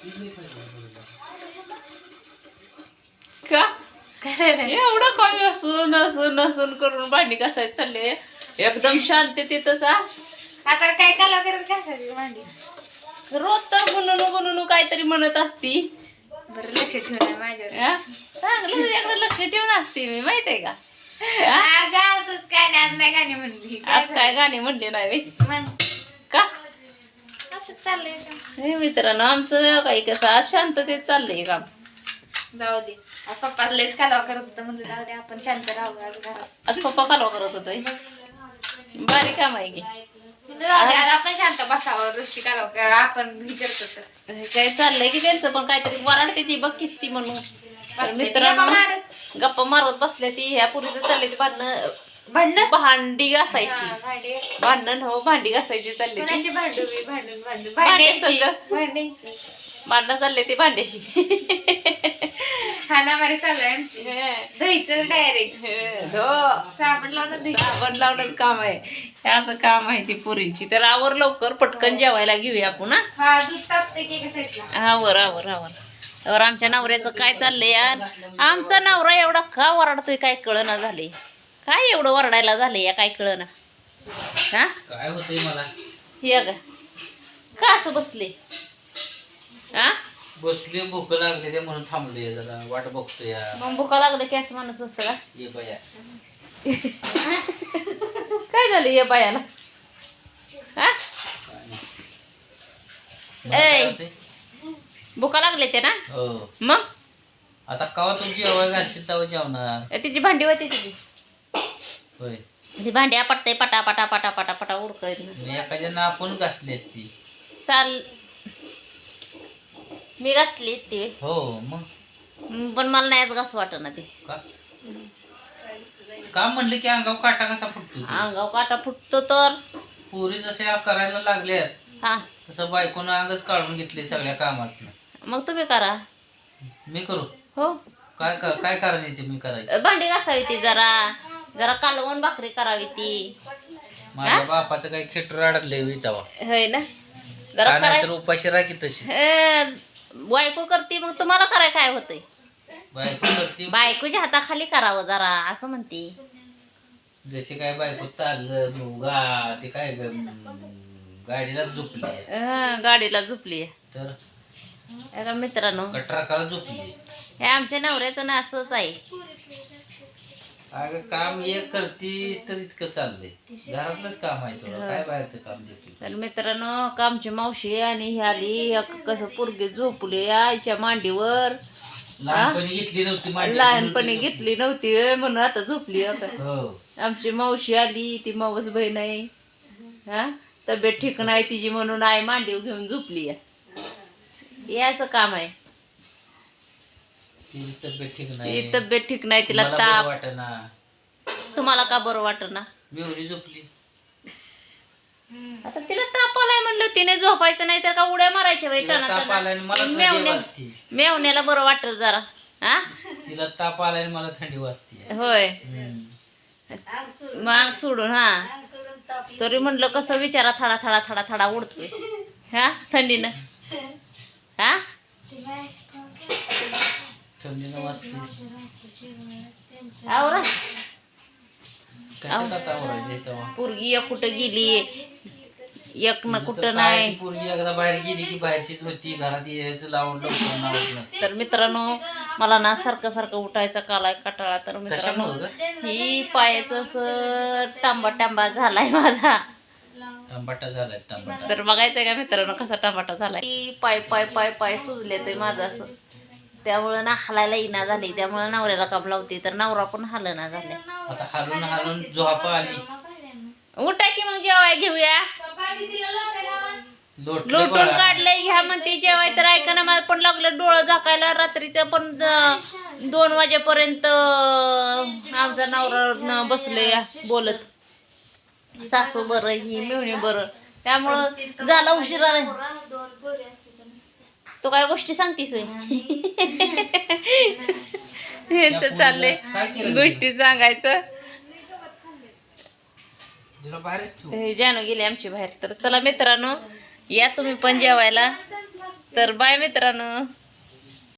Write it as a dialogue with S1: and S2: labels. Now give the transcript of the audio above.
S1: का एवढं काय असून असून असून करून भांडी घासायला चालले एकदम शांततेतच.
S2: आता काय काला करत घासायची भांडी.
S1: रोज तर गुणुनू गुणुनू काहीतरी म्हणत असती.
S2: बरं लक्ष ठेवणार माझ्यावर.
S1: चांगलं तुझ्याकडे लक्ष ठेवून असते मी माहितीये का.
S2: आज असंच काय नाही, आज नाही गाणी म्हणली.
S1: आज काय गाणी म्हणले नाही
S2: मग
S1: का
S2: असंच चाललंय.
S1: हे मित्रांनो आमचं काही कसं आज शांततेत चाललंय काम.
S2: जाऊ दे. आज पप्पा लयच कालवा करत होतं, म्हणलं जाऊ दे आपण शांत राहू आज घरात.
S1: आज पप्पा कालवा करत होतोय. बारीक काम आहे की
S2: म्हणलं जाऊ दे आज आपण शांत बसावं. रोजची कालवा कर आपण हे करतो तर
S1: काय चाललंय की त्यांचं पण काहीतरी वराडते ती बघकीस ती म्हणून. तर मित्रांनो गप्पा मारत बसल्या ती ह्या पुरीचं चालले ती भांडणं भांडी घासायची. भांडण हो भांडी घासायची चालली ती. भांडणं चालले ते भांड्याशी.
S2: खानामारी चालू आहे आमची. दहीचं डायरेक्ट साबण लावणं दही
S1: साबण लावणंच काम आहे. हे असं काम आहे ती पुरीची. तर आवर लवकर पटकन जेवायला घेऊया आपण.
S2: हा दूध तापते की एका साईडला.
S1: आवर आवर आवर. तर आमच्या नवऱ्याचं काय चाललंय यार. आमचा नवरा एवढा का वरडतोय काय कळना झाले. काय एवढं वरडायला झालंय या काय कळना. हा
S3: काय होतंय मला.
S1: हे ग का असं बसले. हा
S3: बसले भूक लागले ते म्हणून थांबले जरा वाट बघतोय या.
S1: मग भुका लागलं की असं माणूस बसतं का.
S3: ये बाया
S1: काय झालं या बायाला. हा
S3: काय
S1: ए
S3: होतंय?
S1: भुका लागले ते ना.
S3: हो
S1: मग
S3: आता कवा तुमची जेवाय घालशील तेव्हा जेवणार.
S1: तिची भांडी होती तिची.
S3: होय
S1: ती भांडी आपटते पटा पटा पटा पटा पटा उरकत.
S3: मी एखाद्यानं आपण घासली असती.
S1: चाल मी घासलीच ती.
S3: हो मग
S1: पण मला नाहीच घास वाटत ना ते.
S3: का का म्हणले की अंगावर काटा कसा फुटतो.
S1: अंगाव काटा फुटतो तर.
S3: पुरी जसे करायला लागल्यात
S1: हा
S3: तसं बायकोनं अंगच काढून घेतले सगळ्या कामात.
S1: मग तुम्ही करा.
S3: मी करू
S1: हो
S3: काय काय कारण येते मी करायचं.
S1: भांडी घासावी ती जरा जरा कालवण भाकरी करावी ती.
S3: माझ्या बापाचं काही खेटर अडकले तेव्हा.
S1: होय ना जरा
S3: काय तर उपाशी राखी तशी
S1: बायको करते मग तुम्हाला कराय काय होतंय.
S3: बायको करते
S1: बायकोच्या हाताखाली करावं जरा असं म्हणते.
S3: जशी काय बायको तारलं मुगा ते काय गाडीला झोपली
S1: गाडीला झोपली.
S3: तर
S1: मित्रांनो
S3: कटराकाला झोपली.
S1: हे आमच्या नवऱ्याचं ना असंच आहे.
S3: अगं काम एक करतीस तर इतकं चाललंय. घरातलंच काम आहे तुला काय बाहेरचं काम देतो.
S1: तर मित्रांनो आमची मावशी आणि ही आली कसं पोरगी झोपली आईच्या मांडीवर.
S3: लहानपणी घेतली नव्हती मांडी.
S1: लहानपणी घेतली नव्हती म्हणून आता झोपली. आता
S3: हो
S1: आमची मावशी आली ती मावस बहीण आहे. हा तब्येत ठीक नाही तिची म्हणून आई मांडीव घेऊन झोपली. याचं काम आहे.
S3: तिची तब्येत ठीक
S1: ती
S3: नाही.
S1: तब्येत ठीक नाही तिला
S3: मला
S1: ताप.
S3: बरं वाटेना.
S1: तुम्हाला का बरं वाटत ना.
S3: मेहुरी झोपली.
S1: आता तिला ताप आलाय म्हणलं तिने झोपायचं नाही तर का उड्या मारायच्या बाई.
S3: तिला ताप आलाय आणि मला थंडी वाजती.
S1: मेवण्याला बरं वाटत जरा. हा
S3: तिला ताप आलाय आणि मला थंडी वाजते.
S1: होय मग सोडून. हा तरी म्हणलं कसं विचारा थडा थडा थडा थडा उडतोय हा थंडीनं. हा
S3: थंडीनं वाजते.
S1: आवरा
S3: कशात आता आवरायचं तेव्हा.
S1: पोरगी एक कुठं गेली एक ना कुठं नाही.
S3: पोरगी एकदा बाहेर गेली की बाहेरचीच होती. घरात यायचं लावून लवकर नावत नसतं.
S1: तर मित्रांनो मला ना सारखं सारखं उठायचा कालाय कटाळा. तर मित्रांनो
S3: कशामुळं ग?
S1: ही पायाचं असं टांबा टांबा झालाय माझा.
S3: टमाटा झालाय टमाटा.
S1: तर बघायचंय का मित्रांनो कसा टमाटा झालाय. ही पाय पाय पाय पाय सुजले ते माझं असं. त्यामुळं ना हलायला इना झाली. त्यामुळे नवऱ्याला काम लावते तर नवरा पण हलना झालाय.
S3: आता हालून हालून झोपा आली.
S1: उठा की मग जेवाय घेऊया.
S3: लोटले
S1: लोटून
S3: बाळा.
S1: काढलंय घ्या म्हणते जेवाय. तर ऐका ना मला पण लागलं डोळं झाकायला रात्रीचं पण 2 वाजेपर्यंत आमचा नवरा बसले बोलत. सासू बरं ही मेहुणी बरं. त्यामुळं झाला उशिरा. तू काय गोष्टी सांगतीस होय. यांचं चाललंय गोष्टी सांगायचं.
S3: तिला बाहेरच ठेवू.
S1: हे जानू गेली आमची बाहेर. तर चला मित्रांनो या तुम्ही पण जेवायला. तर बाय मित्रांनो.